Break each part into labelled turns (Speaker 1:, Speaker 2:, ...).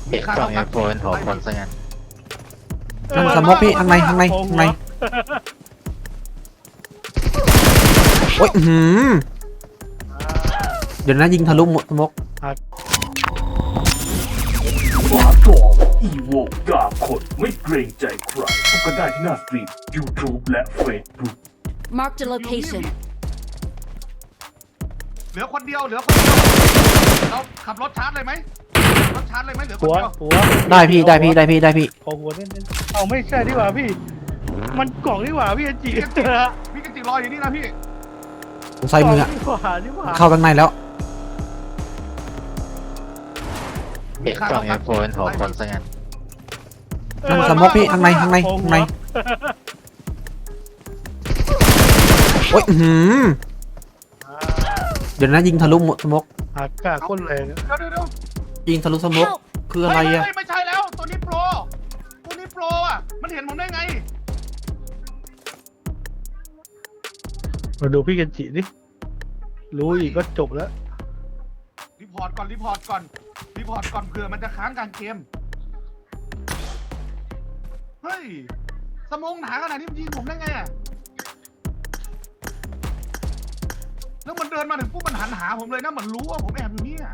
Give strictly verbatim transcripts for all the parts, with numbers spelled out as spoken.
Speaker 1: เห็นกล่องเอฟโฟนหัวคนซะงั้น
Speaker 2: นั่นสมกพี่ข้างในข้างในข้างในโอ้ยอื้อหือเดี๋ยวนะยิงทะลุหมดสมก
Speaker 3: ฝาตองอีโวดาบขดไม่เกรงใจใครพบกันได้ที่หน้าสตรีม YouTube และ Facebook
Speaker 4: Marked a location.
Speaker 5: เหลือคนเดียวเหลือคนเดียวเราขับรถชาร์จเลยไหมรถชาร์จเลยไหมเหลือคน
Speaker 6: หัว
Speaker 5: เดียว
Speaker 6: หัว
Speaker 2: ได้พี่ได้พี่ได้พี่ได้พี่
Speaker 6: ขอหัวเน้นๆเอาไม่ใช่ดีกว่าพี่ มันกล่องดีกว่าพี่อันจี
Speaker 5: พี่กันจิรออยู่นี่นะพี่
Speaker 2: ผมใส่มืออะ
Speaker 6: ดีกว่าดีกว่า
Speaker 2: เข้าข้างในแล้ว
Speaker 1: เห็นกล่องเอฟโฟนหัวคนซะงั้น
Speaker 2: นั่นสมกพี่ข้างในข้างในข้างในโอ้ยอื้อหือเดี๋ยวนะยิงทะลุหมดสมก
Speaker 6: อากาศโคตรแรง
Speaker 5: เดี๋ยวเดี๋ยวเดี๋ยว
Speaker 2: ยิงทะลุสมกคืออะไรอะ
Speaker 5: เฮ้ยไม่ใช่แล้วตัวนี้โปรตัวนี้โปรอ่ะมันเห็นผมได้ไง
Speaker 6: มาดูพี่กันจิดิรู้อีกก็จบแล้ว
Speaker 5: รีพอร์ตก่อนรีพอร์ตก่อนรีพอร์ตก่อนเผื่อมันจะค้างกลางเกมเฮ้ยสมองหนาขนาดนี้มันยิงผมได้ไงอ่ะแล้วมันเดินมาถึงปุ๊บมันหันหาผมเลยนะมันรู้ว่าผมแอบอยู่เนี่ย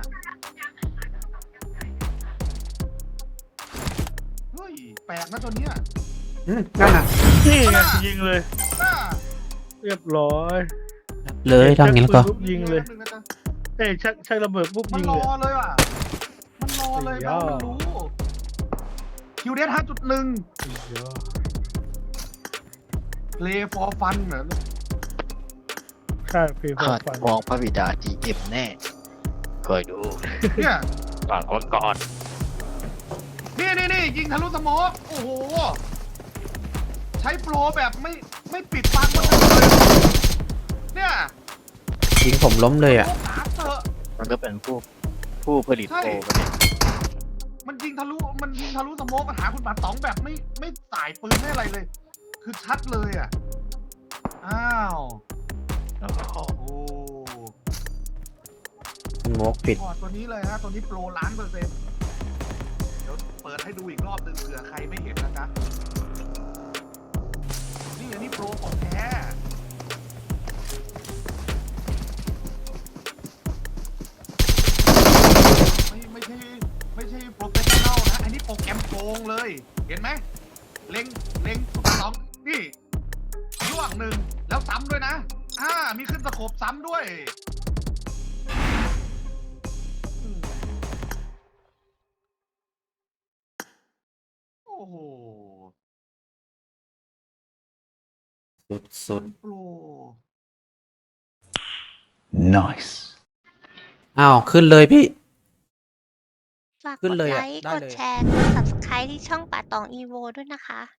Speaker 5: เฮ้ยแปลกนะตัวเนี้ย
Speaker 2: อืมนั่นน่ะ
Speaker 6: นี่ไงยิงเลย
Speaker 5: น่า
Speaker 6: เรียบร้อย
Speaker 2: เลยทำอย่างนี้แล้วก็
Speaker 6: ปุ๊บยิงเลยเอ้ยชักชักระเบิดปุ๊บ
Speaker 5: มัน
Speaker 6: ยิง
Speaker 5: ร
Speaker 6: เล
Speaker 5: อย เลยว่ะมันรอเลยแปลว่ามันรู้คิวเดสห้าจุดหนึ่ง play for fun เหรอ
Speaker 6: ใช่พี่พอ
Speaker 1: ขาด
Speaker 6: ฟัน
Speaker 1: มองพระบิดาจีเอ็มแน่คอยดู
Speaker 5: เนี่ย
Speaker 1: ก่อนคนก่อน
Speaker 5: นี่นี่นี่ยิงทะลุสโมกโอ้โห ใช้โปรแบบไม่ไม่ปิดฟังมันเลยเนี่ย
Speaker 2: ยิงผมล้มเลยอะ
Speaker 5: โอ้ขาเตอะ
Speaker 1: มันก็เป็นผู้ผู้ผลิตโปรกันเนี่ย
Speaker 5: มันยิงทะลุมันยิงทะลุสโมกมันหาคุณบาตองแบบไม่ไม่สายปืนไม่อะไรเลย คือชัดเลยอ่ะอ้าวโอ้โห
Speaker 2: สมกปิด
Speaker 5: พอร์ตตัวนี้เลยฮะตัวนี้โปรล้านเปอร์เซ็นต์เดี๋ยวเปิดให้ดูอีกรอบหนึ่งเผื่อใครไม่เห็นนะจ๊ะนี่อันนี้โปรของแท้ไม่ไม่ใช่ไม่ใช่โปรเฟชชั่นแนลนะอันนี้โปรแกรมโกงเลย เห็นไหมเล็งเล็งสุดสองนี่ล่วงหนึ่งแล้วซ้ำด้วยนะอ่ามีขึ้นสโคปซ้ำด้วย โอ้โห
Speaker 2: สุดสุด
Speaker 5: โปร
Speaker 3: Nice
Speaker 2: อ้าวขึ้นเลยพี่
Speaker 7: ฝาก
Speaker 2: ขึ้
Speaker 7: ก
Speaker 2: น
Speaker 7: ด
Speaker 2: เลย
Speaker 7: ไล
Speaker 2: อะ
Speaker 7: ค์
Speaker 2: ได้
Speaker 7: กด
Speaker 2: เลย
Speaker 7: แชร์ กด ซับสไครบ์ ที่ช่องป่าตองอีโวด้วยนะคะ